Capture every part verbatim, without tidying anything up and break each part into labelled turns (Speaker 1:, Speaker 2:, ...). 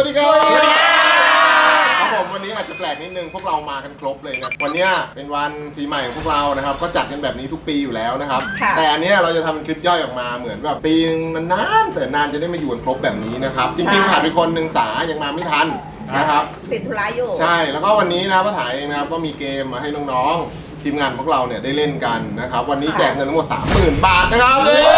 Speaker 1: วัสดีครับครับผมวันนี้อาจจะแปลกนิดนึงพวกเรามากันครบเลยนะวันนี้เป็นวันปีใหม่ของพวกเรานะครับก็จัดกันแบบนี้ทุกปีอยู่แล้วนะครับแต่อันนี้เราจะทำเป็นคลิปย่อยออกมาเหมือนแบบปีนึงมันนานแต่นานจะได้มาอยู่กันครบแบบนี้นะครับจริงๆขาดไปคนหนึ่งสายังมาไม่ทันนะครับ
Speaker 2: ติดธุระอยู่
Speaker 1: ใช่แล้วก็วันนี้นะป้าถ่ายเองนะครับก็มีเกมมาให้น้องๆทีมงานพวกเราเนี่ยได้เล่นกันนะครับวันนี้แจกเงินทั้งหมด สามหมื่น บาทนะครับ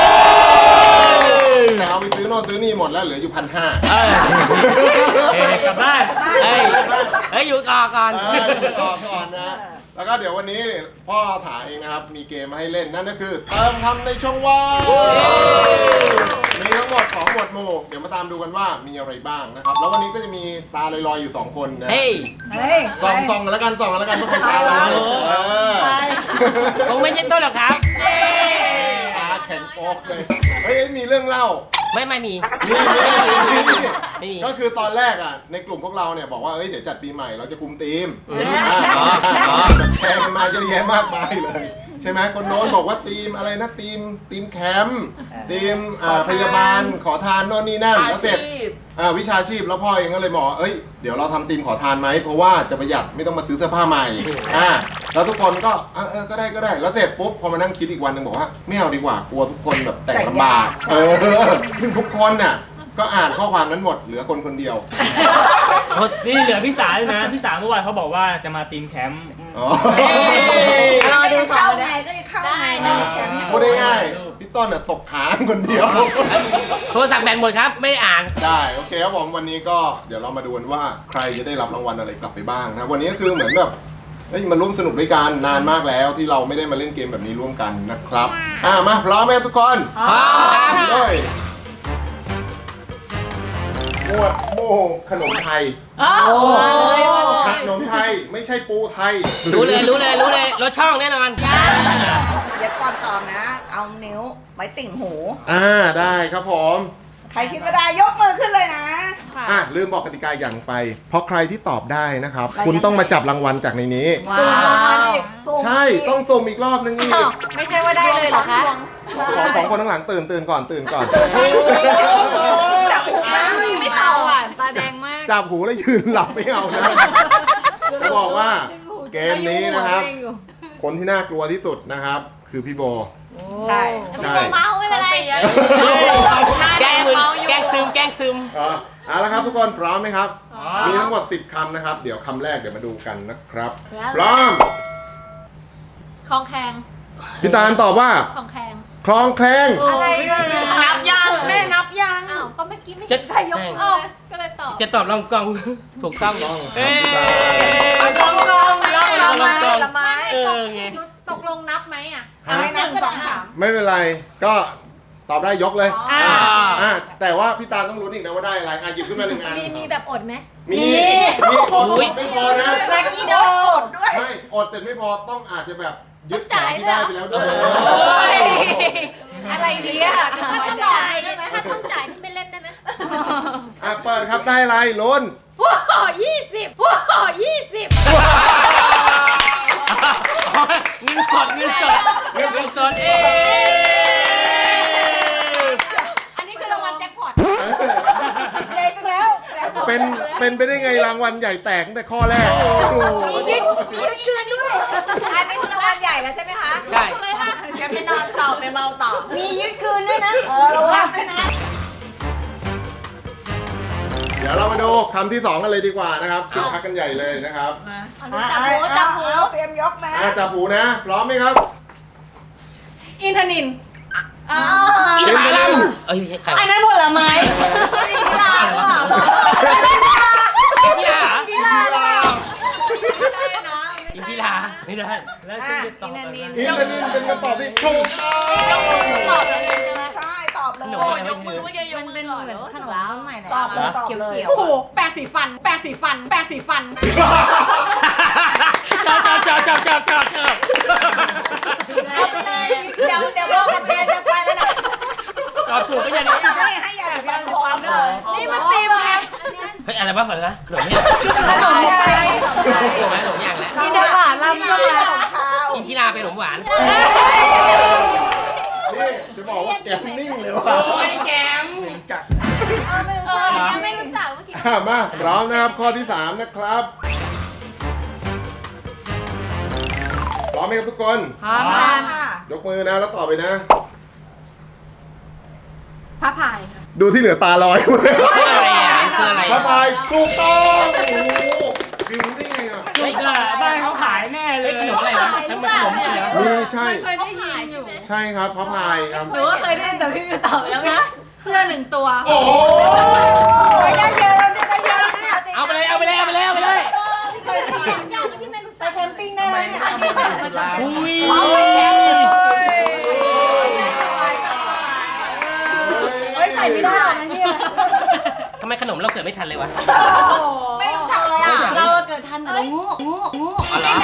Speaker 1: แต่เอาไปซื้อโน่นซื้อนี่หมดแล้วเหลืออยู่พันห้าเ
Speaker 3: อ้ยกลับบ้านเฮ้ยเฮ้ยอยู่ก่อนก่อน
Speaker 1: อยู่ก่อนก่อนนะแล้วก็เดี๋ยววันนี้พ่อถ่ายเองนะครับมีเกมมาให้เล่นนั่นก็คือเติมคำในช่องว่างมีทั้งหมดสองหมวดหมู่เดี๋ยวมาตามดูกันว่ามีอะไรบ้างนะครับแล้ววันนี้ก็จะมีตาลอยๆอยู่สองคนนะ
Speaker 3: เฮ้ย
Speaker 1: ส่องส่องแล้วกันส่องแล้วกันว่าใครตาลอย
Speaker 3: คงไม่ใช่ต้นหรอกครับ
Speaker 1: ตาแข็งโป๊กเลยเฮ้ยมีเรื่องเล่า
Speaker 3: ไม่ไม่มี
Speaker 1: ก็คือตอนแรกอ่ะในกลุ่มพวกเราเนี่ยบอกว่าเอ้ยเดี๋ยวจัดปีใหม่เราจะคุมทีมแบบแข่งมาเยอะแยะมากมายเลยใช่ไหมคนโน้นบอกว่าทีมอะไรนะทีมทีมแคมป์ทีมพยาบาลขอทานโน่นนี่นั่นแล้วเสร็จวิชาชีพแล้วพ่อเองก็เลยบอกเอ้ยเดี๋ยวเราทำทีมขอทานไหมเพราะว่าจะประหยัดไม่ต้องมาซื้อเสื้อผ้าใหม่อ่าแล้วทุกคนก็เออก็ได้ก็ได้แล้วเสร็จปุ๊บพอมานั่งคิดอีกวันหนึ่งบอกว่าไม่เอาดีกว่ากลัวทุกคนแบบแต่งลำบากเออทุกคนน่ะก็อ่านข้อความนั้นหมดเหลือคนคนเดียว
Speaker 3: นี่เหลือพี่สาเลยนะพี่สาเมื่อวานเขาบอกว่าจะมาทีมแคมป์
Speaker 2: เราดูเข้าไงก็จะเข้าไง
Speaker 1: พูดง่ายๆพี่ต้นน่ะตกค้างคนเดียว
Speaker 3: โทรศัพท์แบตหมดครับไม่อ่าน
Speaker 1: ได้โอเคครับผมวันนี้ก็เดี๋ยวเรามาดูกันว่าใครจะได้รับรางวัลอะไรกลับไปบ้างนะวันนี้ก็คือเหมือนแบบมาร่วมสนุกด้วยกันนานมากแล้วที่เราไม่ได้มาเล่นเกมแบบนี้ร่วมกันนะครับอ่ามาพร้อมไหมทุกคน
Speaker 3: พร้อม
Speaker 1: เลยหมวดหมู่ขนมไทยขนมไทยไม่ใช่ปูไทย
Speaker 3: รู้เลยรู้เลยรู้เลยรถช่องแน่นอน
Speaker 2: เดี๋ยวก่อนตอบนะเอานิ้วไว้ติ่งหู
Speaker 1: อ่าได้ครับผม
Speaker 2: ใครคิดว่าได้ยกมือขึ้นเลยนะ
Speaker 1: อ่ะลืมบอกกติกาอย่างไปเพราะใครที่ตอบได้นะครับคุณต้องมาจับรางวัลจากในนี้ใช่ต้องส่งอีกรอบนึงนี่
Speaker 4: ไม่ใช่ว่าได้เลยเหรอคะ
Speaker 1: ขอสองคนข้างหลังตื่นตื่นก่อนตื่นก่อน
Speaker 2: จับหูไม่ตอบ
Speaker 4: ตาแดงมาก
Speaker 1: จับหูแล้วยืนหลับไม่เอานะจะบอกว่าเกมนี้นะครับคนที่น่ากลัวที่สุดนะครับคือพี่โบ
Speaker 4: ใช่ใช่เมาไม่เป็นไร
Speaker 3: แกล้งมึนแกล้งซึมแกล้งซึม
Speaker 1: เอาละครับทุกคนพร้อมไหมครับมีทั้งหมดสิบคำนะครับเดี๋ยวคำแรกเดี๋ยวมาดูกันนะครับพร้อม
Speaker 4: คลองแคง
Speaker 1: พี่ตาลตอบว่า
Speaker 4: คลองแคง
Speaker 1: คลองแคง
Speaker 4: อะไรนับยังแม่นับยังอ้าวก็เมื่อกี้ไม่ใครยกมือก็เลยตอบ
Speaker 3: จะตอบลองกองถูกต้องเอ้
Speaker 4: ลองกองลองกองละไม้
Speaker 3: เออไง
Speaker 4: ตกลงนับไหมอ่ะ
Speaker 2: ไม่นับสองสาม
Speaker 1: ไม่เป็นไรก็ตอบได้ยกเลยอ่าแต่ว่าพี่ตาต้องรู้อีกนะว่าได้อะไรอ่ะหยิบขึ้นมาหนึ่งอัน
Speaker 4: มีมีแบบอดไหม
Speaker 1: มีมีอดไม่พอนะ
Speaker 2: ลักกี้โดดด้วย
Speaker 1: ไม่อดแต่ไม่พอต้องอาจจะแบบยึดของที่ได้ไปแล้วด้วย
Speaker 4: อะไรเนี่ยถ้าต้องจ่ายได้ไหมถ้าต้องจ่ายที่ไม่เล่นได้ไหม
Speaker 1: อ่ะเปิดครับได้อะไรลุ้น
Speaker 4: ฟูยี่สิบฟูยี่สิบ
Speaker 3: เงินสดเงินสดเงินสดเอ
Speaker 4: อันนี้คือรางวัลแจ็คพอต
Speaker 2: เล็กแล้ว
Speaker 1: เป็นเป็นไปได้ไงรางวัลใหญ่แตกตั้งแต่ข้อแรก
Speaker 4: มียึดมียึดคืนด้วย
Speaker 2: อันนี้คือรางวัลใหญ่แล้วใช่ไหมคะ
Speaker 3: ใช่
Speaker 4: แกไปนอนต่อไปเมาต่อมียึดคืนด้วยนะ
Speaker 2: เออระวังด้วยนะ
Speaker 1: เดี๋ยวเรามาดูคำที่สองกันเลยดีกว่านะครับคึกคักกันใหญ่เลยนะครับ
Speaker 4: จับหูจับหู
Speaker 2: เตรียมยกนะ
Speaker 1: จับหูนะพร้อมไหมครับ
Speaker 2: อินทนิน
Speaker 3: อินทผลัมเอ้ย
Speaker 4: อันนั้นผลไม้
Speaker 2: พิลาหรือเปล่า
Speaker 3: พิลา
Speaker 2: พิลาหรือเปล่า
Speaker 3: ได้นะอินพิลาไม่ได้แล้วฉันจะตอบอะไร
Speaker 1: อินทนินเป็นคำตอบที่ถูกต้อง
Speaker 4: ตอบเลยใช่ไหม
Speaker 2: ใช่ตอบเลย
Speaker 4: ยกมือเมื่อกี้ยกมือก่อนเหมือนขนมใหม่
Speaker 2: ตอบเลยตอบเลย
Speaker 4: โอ้โหแปรงสีฟันแปรงสีฟันแปรงสีฟัน
Speaker 3: จับจับจับจับจับจับ
Speaker 2: เดี๋ยวเดี๋ยวโลกันเตียจะไปแล้วนะ
Speaker 3: ตอบถูกก็อย่างนี้
Speaker 2: ให้ให้อย่าแบบพร้อมเลยนี่มันตีมไง
Speaker 3: เฮ้ยอะไรบ้างเหรอขนมเนี่ย
Speaker 2: ขนมไทย
Speaker 3: ขนมขนมอย่างแล้ว
Speaker 2: กินได้หวานลำก็แล้ว
Speaker 3: อินทิราเป็นขนมหวาน
Speaker 1: นี่จะบอกว่าแกมนิ่งเลยว่ะ
Speaker 3: โอ้ยแกม
Speaker 4: จักเออไม่รู้จักเมื่อกี้
Speaker 1: อ่ะมาพร้อมนะครับข้อที่สามนะครับพร้อมไหมครับทุกคน
Speaker 2: พร้อมค่ะ
Speaker 1: ยกมือนะแล้วตอบไปนะ
Speaker 2: พระพายค่ะ
Speaker 1: ดูที่เหลือตาลอย
Speaker 5: คืออะไรอ่ะคืออะไร
Speaker 1: พระพายถูกต้องโอ้โหบิวรู้ได้ไงอ่ะ
Speaker 3: จุกอะบ้านเขาขายแน่เลย
Speaker 5: ขนมอะไรวะน้ำมันขนมเหรอ
Speaker 1: นี่ใช่
Speaker 2: เคยได้ยินอยู่
Speaker 1: ใช่ครับพระพายครับ
Speaker 2: หนูก็เคยได้ยินแต่พี่มิวตอบแล้วนะเสื้อหนึ่งตัว
Speaker 1: โอ้โห
Speaker 2: ได้เยอะได้เยอะเนี่ย
Speaker 3: เอาไปเลยเอาไปเลยเอาไปเลยเอาไปเลย
Speaker 4: เคยทำอย่างที่ไม่รู้
Speaker 2: ไป
Speaker 4: จัก
Speaker 2: แคมปิ้งได้ไหมเนี่ยอันนี้แบบมันจะ
Speaker 5: อุ้ย
Speaker 2: เอาไปแคมปิ้งเฮ้ยใส่ไม่ได้นะเนี่ย
Speaker 5: ทำไมขนมเราเกิดไม่ทันเลยวะ
Speaker 2: ไม่รู้จักเลยอ่ะเราเกิดทันแต่เรางูงูงู
Speaker 5: อ๋อเหรอ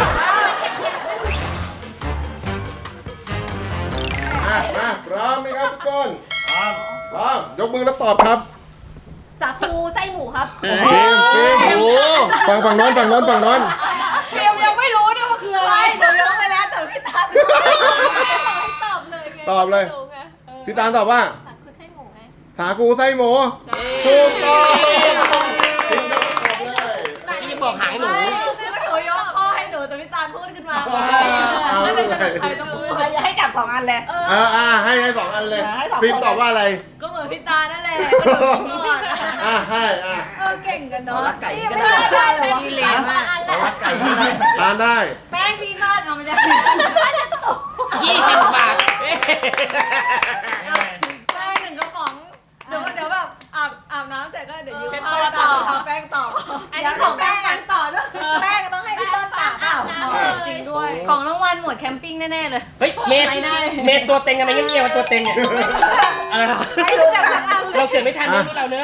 Speaker 1: อ่ะมาพร้อมไหมครับทุกคนพร้อมพร้อมยกมือแล้วตอบครับ
Speaker 4: สาคูไส้หมูครับ
Speaker 1: ฟิล์มฟิล์ม
Speaker 5: โอ้
Speaker 1: ฝั่งฝั่งโน้นฝั่งโน้นฝั่งโน้น
Speaker 2: เพียวยังไม่รู้ด้วยว่าคืออะไรหนูยกไปแล้วแต่พี่ตัน
Speaker 4: ตอบเลยไง
Speaker 1: ตอบเลย
Speaker 4: ไม่รู้ไงเออ
Speaker 1: พี่ตาลตอบว่า
Speaker 4: สาคูไส้หมูไง
Speaker 1: สาคูไส้หมูถูกต้องฟิล์มยกมือตอบเลย
Speaker 5: พี่จะบอกหางหนู
Speaker 2: ก็หนูยกข้อให้หนูแต่พี่ตันพูดขึ้นมา
Speaker 1: เอาเลย
Speaker 2: ใครต้องพูดใครจะให้จับสองอันเลย
Speaker 4: เออ
Speaker 1: อ่าอ่าให้ให้สองอันเลย
Speaker 2: ให้สองคน
Speaker 1: ฟิล์มตอบว่าอะไร
Speaker 2: ก็เหมือนพี่ตานั่นแหละก็หนูก่อน
Speaker 1: อ่าให้อ่า
Speaker 2: เออเก่งกันเนาะ
Speaker 6: รักไก่
Speaker 2: นี่ไม่ได้ได้เลยวะ
Speaker 4: เหลวมากอัน
Speaker 6: เอา
Speaker 4: ละ
Speaker 6: รักไก่ที่ไหน
Speaker 1: ทานได้
Speaker 2: แป้งที่ทอดเอามาจาก
Speaker 5: ยี่สิบบาท
Speaker 2: แป้งหนึ่งกระป๋องเดี๋ยวเดี๋ยวแบบอาบอาบน้ำเสร็จก็เดี๋ยวยืม
Speaker 4: เช็ด
Speaker 2: ผ้า
Speaker 4: ตัว
Speaker 2: ต่
Speaker 4: ต่
Speaker 2: อ
Speaker 4: อ
Speaker 2: ทาแป้งต่ออันนี้ของแป้งกันต่อด้วยแป้งก็ต้องให้พี่ต้นตากเปล่าจริงด้วย
Speaker 7: ของรางวัลหมวดแคมปิ้งแน่ ๆ เลย
Speaker 5: เฮ้ยเมดเมดตัวเต็งทำไมเงียบๆวะตัวเต็งเนี่ยอะไรวะ
Speaker 2: ไม่รู้จักทั้งอันเลย
Speaker 5: เราเกิดไม่ทันนะพวกเราเนอะ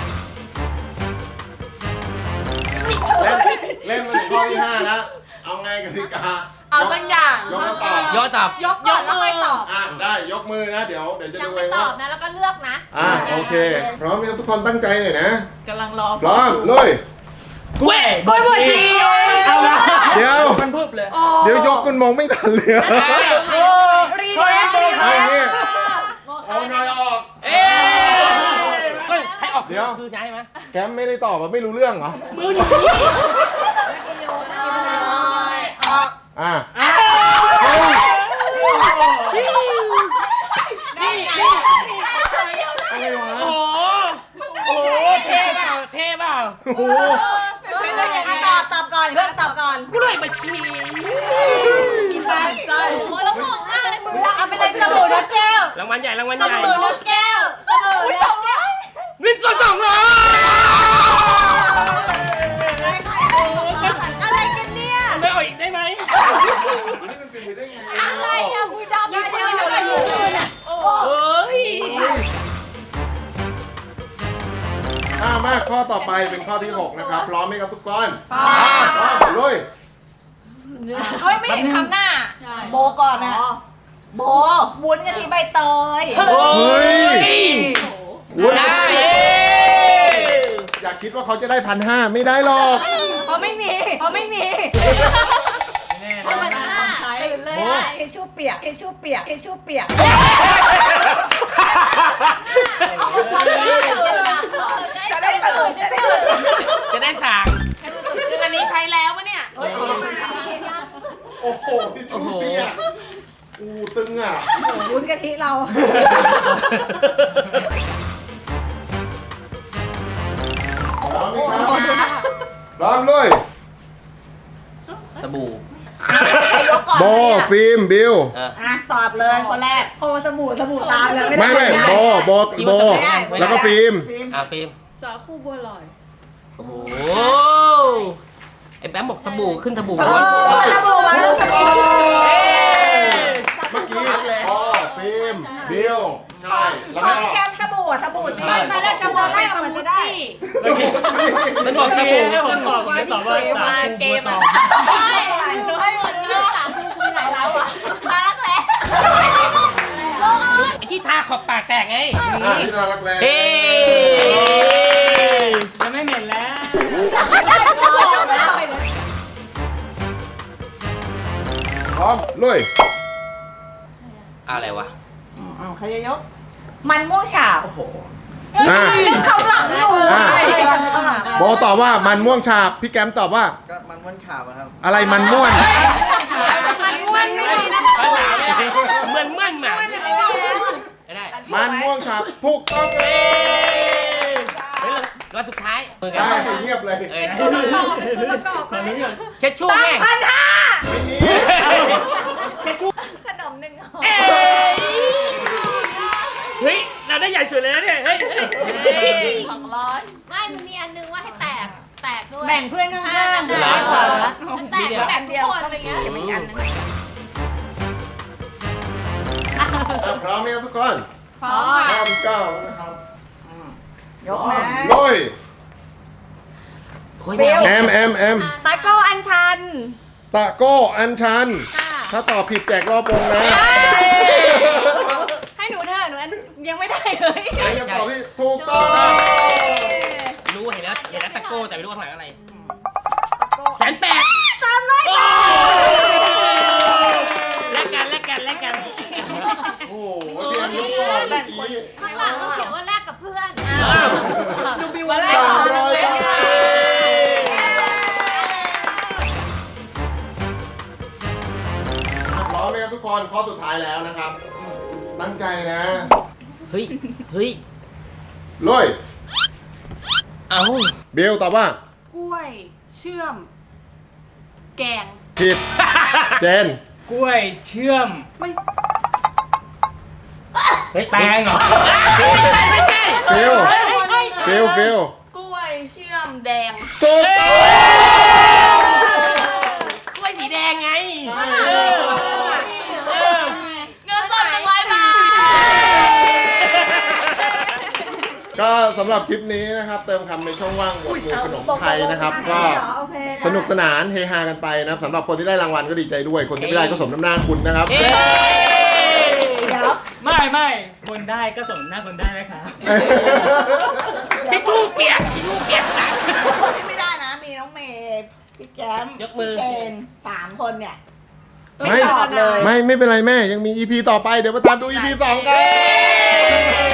Speaker 1: เล่นเล่นมาถึงข้อที่ห้าแล้ว เอาไงกติกา
Speaker 2: เอาสักอย่าง
Speaker 1: ยกแล้วตอบ
Speaker 5: ย่อตอบ
Speaker 2: ยกก่อนแล้วค่อยตอบ
Speaker 1: อ่ะได้ยกมือนะ เดี๋ยวเดี๋ยวจะ
Speaker 4: ยัง
Speaker 1: ดู
Speaker 4: ไม่
Speaker 1: เอง
Speaker 4: ตอ
Speaker 1: ว่า
Speaker 4: บนะแล้วก็เลือกนะ
Speaker 1: อ่ะโอเค พร้อมไหมครับทุกคนตั้งใจหน่อยนะ
Speaker 2: กำลังรอ
Speaker 1: พร้อมลุย
Speaker 3: กล้วยบวชชีเอาละ
Speaker 1: เดี๋ยว
Speaker 6: มันพึบเลย
Speaker 1: เดี๋ยวยกมันมองไม่ทันเลยอะ
Speaker 3: โอ้รีเซ็ต
Speaker 1: เอาอย่างนี้เอาไงออก
Speaker 5: เอ๊เฮ้ยใครออก
Speaker 1: เดี๋ยว
Speaker 5: คือใช่ไหม
Speaker 1: แกมไม่ได้ตอบอ่ะไม่รู้เรื่องเหรอ
Speaker 3: มือหนี
Speaker 1: อ่ะ
Speaker 3: อ้าวนี่นี่
Speaker 1: อะไรวะ
Speaker 3: โอ้โหโอ้โหเท่เปล่าเท่เปล่า
Speaker 1: โอ้โห
Speaker 2: ไม่ได้ยังไงตอบตอบก่อนเพื่อนตอบก่อน
Speaker 5: กล้วยบวชชี
Speaker 2: ใช่ใช่
Speaker 4: โอ้แล้วมองหน้าเลยมือ
Speaker 2: เอาไปเลยสบู่นกแก้ว
Speaker 5: รางวัลใหญ่รางวัล
Speaker 2: ส
Speaker 5: ใหญ่
Speaker 2: บู่นกแก้วสบู่นกแก้ว
Speaker 5: เงินสดสองร้อย
Speaker 2: อะไรกันเนี่ย
Speaker 5: ไม่เอาอีกได้ไหม
Speaker 1: นี่มันเป็นไปได้ไง
Speaker 4: อะไรอะมือดำ
Speaker 2: เดี๋ยวเดี๋ยวเดี๋ยวเดี๋ยว
Speaker 4: โอ้
Speaker 5: เฮ้ย
Speaker 1: อ่ะมาข้อต่อไปเป็นข้อที่หกนะครับ พร้อมไหมครับทุกคน
Speaker 2: พร้อม
Speaker 1: พร้อมลุย
Speaker 2: เฮ้ยไม่เห็นคำหน้า โบก่อนนะโบวุ้นกะทิใบเตย
Speaker 1: เฮ้ยอุ๊ย
Speaker 5: ได้เย้
Speaker 1: อย่าคิดว่าเขาจะได้พันห้าไม่ได้หรอก
Speaker 2: เพราะไม่มีเพราะไม่มี
Speaker 4: ธรรมดาตื่นเลยอะ
Speaker 2: เอชูเปียกเอชูเปียกเอชูเปียก จะได้ตื่นจะได้ตื่น
Speaker 5: จะได้สั่ง
Speaker 4: อันนี้ใช้แล้วปะเนี่ย
Speaker 1: โอ้โหพี่ชูเปียกอูตึงอ่ะ
Speaker 2: วุ้นกะทิเรา
Speaker 1: พร้อมไหมครับพร้อมเลย
Speaker 6: สบู่
Speaker 1: โบฟิล์มบิว
Speaker 5: เออ
Speaker 2: อ่ะตอบเลยคนแรกโพสบู่สบู่ตามเลย
Speaker 1: ไม่ไม่โบโบโบแล้วก็ฟิล์ม
Speaker 5: อ่ะฟิล์ม
Speaker 2: สาคูบัวลอย
Speaker 5: โอ้โหไอ้แบมบอกสบู่ขึ้นสบู่
Speaker 2: ส
Speaker 5: ร้อน
Speaker 2: บู่มาแล้วสบู่
Speaker 1: เมื่อกี้โบฟิล์มบิวใช่แล้วก็
Speaker 2: แก้มสบู่สบู่จริงตอนแรกจำได้เหมือนจะได้
Speaker 5: มันบอกสบู่
Speaker 3: ให้ผมตอบผมจะตอบว่าสา
Speaker 4: มา
Speaker 3: คู
Speaker 4: เก
Speaker 3: บัว
Speaker 4: ม
Speaker 3: ต
Speaker 4: อะ
Speaker 3: อบ
Speaker 4: ใช่หนูให้หมดเลยสามคูคุยไหนแล้วอะ
Speaker 2: พักแล้ว
Speaker 5: ไอ้ที่ทาขอบปากแตกไง
Speaker 1: อ่ะที่น่ารักแรง
Speaker 5: เฮ้
Speaker 3: จะไม่เหม็นแล้ว
Speaker 1: พร้อมลุย
Speaker 5: อะไรวะ
Speaker 2: ใครจะยก มันม่วงฉาบโอ้โห
Speaker 1: อ่ะ
Speaker 2: นึกคำหลังอยู่
Speaker 1: อ่ะ
Speaker 2: คำหลัง
Speaker 1: โบตอบว่ามันม่วงฉาบพี่แกมตอบว่า
Speaker 6: ก็มันม้วนฉาบอะครับ
Speaker 1: อะไรมันม่วน
Speaker 7: มันม้วนไม่ดีนะ
Speaker 5: ภาษาเนี่ยเหมือนมั่นหมาไม่ได้
Speaker 1: มันม่วงฉาบถูกต้องเลย
Speaker 5: เฮ้ยรอบสุดท้ายมือกั
Speaker 1: ได้
Speaker 5: น
Speaker 1: เงียบเลย
Speaker 5: เอ้ย
Speaker 4: ตัวประกอบตัวประกอบไป
Speaker 5: เช็ดชู่แม่
Speaker 2: พันห้า
Speaker 1: ไม่มี
Speaker 5: เช็ดชู่
Speaker 2: ขนมหนึ่งห่อ
Speaker 5: เอ้ยเฮ้ยเราได้ใหญ่สุดเลยนะเนี่ยเฮ้ยเฮ้ย
Speaker 4: สองร้อยไม่มันมีอันนึงว่าให้แตกแตกด้วย
Speaker 7: แบ่งเพื่อนข้าง
Speaker 4: อ่า
Speaker 7: ๆ
Speaker 4: แต
Speaker 7: ซ้าย
Speaker 4: ก
Speaker 7: ขวา
Speaker 4: แตกแตกทุกคนอะไรเงี้ย
Speaker 2: เก็บอีกอันนึง
Speaker 1: อ่ะพร้อมไหมครับทุกคน
Speaker 2: พร้อมค่ะ
Speaker 1: ข้อที่เก้านะครับ
Speaker 2: ยกนะ
Speaker 1: ลุย
Speaker 5: โอ้ยไม่เอา
Speaker 1: แอมแอมแอม
Speaker 7: ตะโก้อันชัน
Speaker 1: ตะโก้อัญชัน ถ้าตอบผิดแจกรอบวงนะ
Speaker 7: ให้หนูเถอะหนูอันยังไม่ได้เลย
Speaker 1: ใครจะตอบที่ถูกต้อง
Speaker 5: รู้เห็นแล้วเห็นแล้วตะโก้แต่ไม่รู้ว่าข้างหลังอะไรแสนแปด
Speaker 7: สามร้อย
Speaker 5: โอ้แลกกันแลกกันแลกกัน
Speaker 1: โอ้โหเตรียมยกก่อนเมื่อกี้
Speaker 4: ข้างหลังเขาเขียนว่าแลกกับเพื่อน
Speaker 5: อ้าว
Speaker 2: ดูบิวว่าแรก
Speaker 1: สาม
Speaker 2: ก่อน
Speaker 1: ร้อย
Speaker 2: เลย
Speaker 1: บาทพร้อมไหมครับทุกคนข้อสุดท้ายแล้วนะครับ ตั้งใจนะ
Speaker 5: เฮ้ยเฮ้ย
Speaker 1: ลุย
Speaker 5: เอ้า
Speaker 1: เบลตอบว่า
Speaker 2: กล้วย เชื่อม แกง
Speaker 1: ผิด เจน
Speaker 3: กล้วยเชื่อม
Speaker 2: ไม่
Speaker 3: เฮ้ยแตงเหรอ
Speaker 5: ไม่ใช่
Speaker 1: ฟิลฟิลฟิล
Speaker 2: กล้วย เชื่อม แดง
Speaker 1: ถูกต้อง
Speaker 5: กล้วยสีแดงไง
Speaker 1: ใช่
Speaker 5: เออเออ
Speaker 4: เงินสดหนึ่งร้อยบาท
Speaker 1: ก็สำหรับคลิปนี้นะครับ เติมคำในช่องว่างหมวดหมู่ขนมไทยนะครับ ก็สนุกสนานเฮฮากันไปนะครับสำหรับคนที่ได้รางวัลก็ดีใจด้วย คนที่ไม่ได้ก็สมน้ำหน้าคุณนะครับ
Speaker 5: เอ้ย
Speaker 3: ไม่ไม่คนได้ก็สมหน้าคนได้ไหมคะ
Speaker 5: ทิชชู่เปียกทิชชู่เปียกนะ
Speaker 2: คนที่ไม่ได้นะ มีน้องเมย์พี่แก้ม
Speaker 5: ยกมือ
Speaker 2: พี่เจนสามคนเนี่ย
Speaker 1: ไม่
Speaker 2: ตอบเลย
Speaker 1: ไม่ไม่เป็นไรแม่ยังมี อี พี ต่อไปเดี๋ยวมาตามดู อี พี สองกัน